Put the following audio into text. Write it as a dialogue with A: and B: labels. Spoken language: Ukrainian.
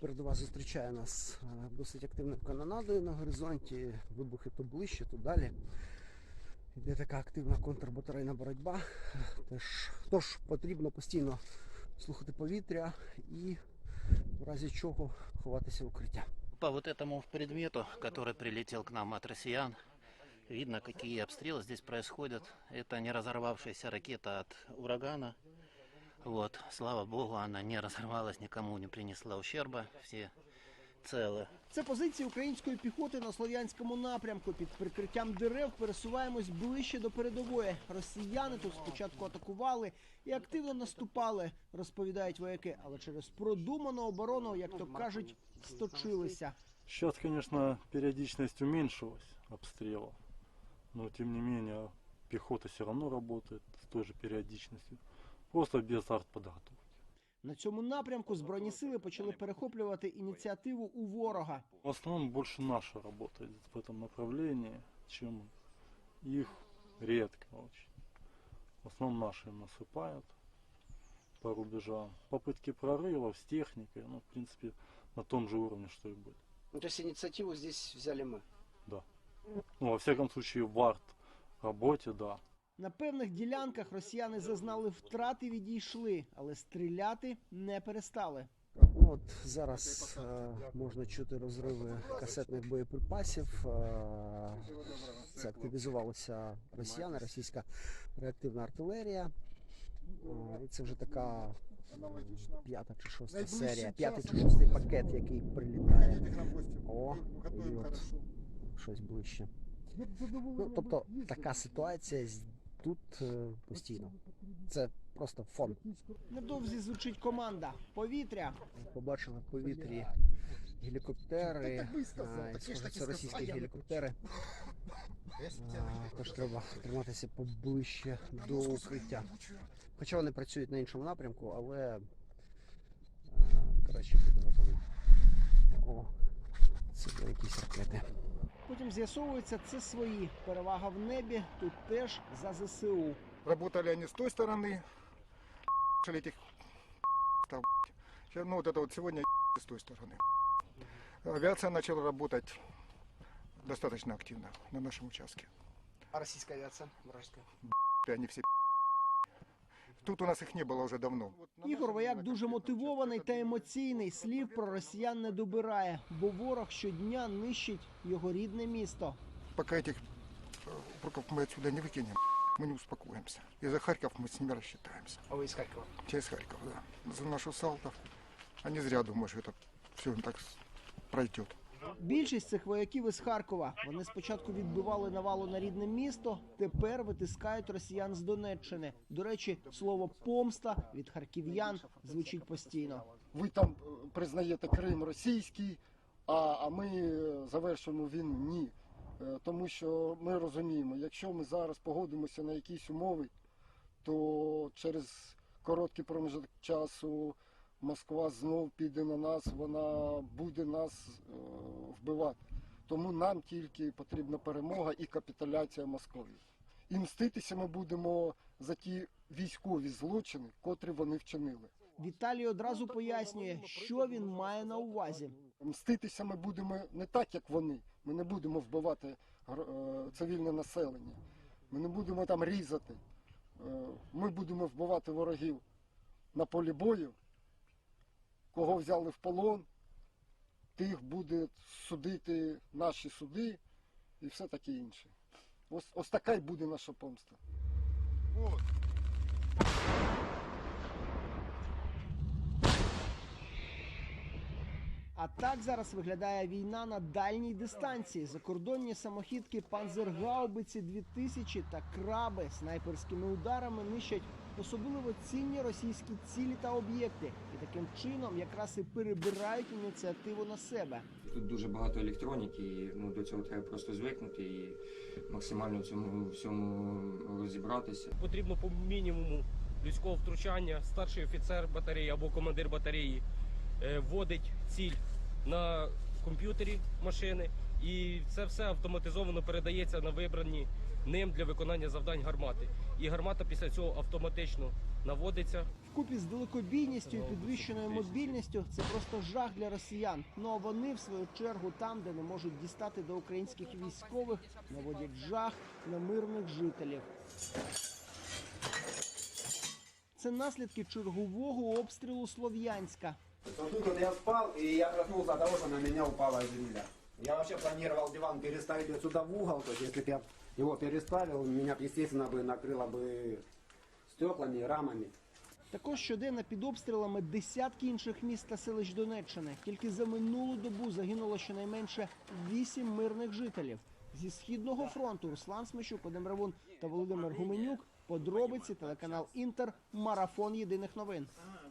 A: Передова зустрічає нас досить активною канонадою на горизонті. Вибухи то ближче, то далі. Йде така активна контрбатарейна боротьба. Тож потрібно постійно слухати повітря і в разі чого ховатися в укриття.
B: По вот этому предмету, который прилетел к нам от россиян, видно, какие обстрелы здесь происходят. Это не разорвавшаяся ракета от урагана. Вот, слава богу, она не разорвалась, никому не принесла ущерба, все целы.
C: Це позиції української піхоти на Слов'янському напрямку. Під прикриттям дерев пересуваємось ближче до передової. Росіяни тут спочатку атакували і активно наступали, розповідають вояки. Але через продуману оборону, як то кажуть, сточилися.
D: Сейчас, конечно, периодичность уменьшилась обстрелов, но тем не менее пехота все равно работает с той же периодичностью, просто без артподготовки.
C: На цьому напрямку Збройні сили почали перехоплювати ініціативу у ворога.
D: В основном больше наши работают в этом направлении, чем их редко очень. В основном наши им насыпают по рубежам. Попытки прорывов с техникой, ну, в принципе, на том же уровне, что и были.
A: Ну, то есть инициативу здесь взяли мы?
D: Да. Ну, во всяком случае, в арт-работе, да.
C: На певних ділянках росіяни зазнали втрат і відійшли, але стріляти не перестали.
A: От зараз можна чути розриви касетних боєприпасів. Це активізувалися росіяни, російська реактивна артилерія. І це вже така п'ята чи шоста серія, п'ятий чи шостий пакет, який прилітає. О, і от щось ближче. Ну, тобто така ситуація тут постійно. Це просто фон.
C: Невдовзі звучить команда «Повітря».
A: Побачили в повітрі гелікоптери, схоже, це російські гелікоптери. Тож треба триматися поближче до укриття. Хоча вони працюють на іншому напрямку, але краще бути готовим. О, це були якісь ракети.
C: Потім з'ясовується, це свої. Перевага в небі, тут теж за ЗСУ.
E: Работали они с той стороны, этих ну вот это вот сегодня с той стороны. Авиация начала работать достаточно активно на нашем участке.
A: А російська авіація? Вражська?
E: Они все тут у нас их не было уже давно.
C: Ігор Вояк дуже мотивований та емоційний. Слів про росіян не добирає, бо ворог щодня нищить його рідне місто.
E: Пока этих упреков мы отсюда не выкинем, мы не успокоимся. И за Харьков мы с ними рассчитаемся.
A: А ви з Харкова?
E: Через Харьков, да. За нашу Салтовку. Они зря думают, что это все так пройдет.
C: Більшість цих вояків із Харкова. Вони спочатку відбивали навалу на рідне місто, тепер витискають росіян з Донеччини. До речі, слово «помста» від харків'ян звучить постійно.
F: Ви там признаєте Крим російський, а ми завершуємо війну. Ні. Тому що ми розуміємо, якщо ми зараз погодимося на якісь умови, то через короткий проміжок часу Москва знов піде на нас, вона буде нас вбивати. Тому нам тільки потрібна перемога і капітуляція Москви. І мститися ми будемо за ті військові злочини, котрі вони вчинили.
C: Віталій одразу пояснює, що він має на увазі.
F: Мститися ми будемо не так, як вони. Ми не будемо вбивати цивільне населення. Ми не будемо там різати. Ми будемо вбивати ворогів на полі бою. Кого взяли в полон, тих буде судити наші суди і все таке інше. Ось така й буде наша помста.
C: А так зараз виглядає війна на дальній дистанції. Закордонні самохідки «Панзергаубиці 2000» та «Краби» снайперськими ударами нищать особливо цінні російські цілі та об'єкти. І таким чином якраз і перебирають ініціативу на себе.
G: Тут дуже багато електроніки, і до цього треба просто звикнути і максимально в цьому всьому розібратися.
H: Потрібно по мінімуму людського втручання. Старший офіцер батареї або командир батареї вводить ціль на комп'ютері машини, і це все автоматизовано передається на вибрані ним для виконання завдань гармати. І гармата після цього автоматично наводиться.
C: Вкупі з далекобійністю і підвищеною мобільністю це просто жах для росіян. Ну а вони, в свою чергу, там, де не можуть дістати до українських військових, наводять жах на мирних жителів. Це наслідки чергового обстрілу Слов'янська.
I: Тут вот я спал, и я проснулся от того, что на меня упала земля. Я вообще планировал диван переставить отсюда в угол, то есть если бы я его переставил, меня бы, естественно, бы накрыло бы стеклами, рамами.
C: Також щоденно під обстрілами десятки інших міст та селищ Донеччини. Тільки за минулу добу загинуло щонайменше 8 мирних жителів. Зі Східного фронту Руслан Смещук, Вадим Равун та Володимир Гуменюк. Подробиці, телеканал Інтер, марафон єдиних новин.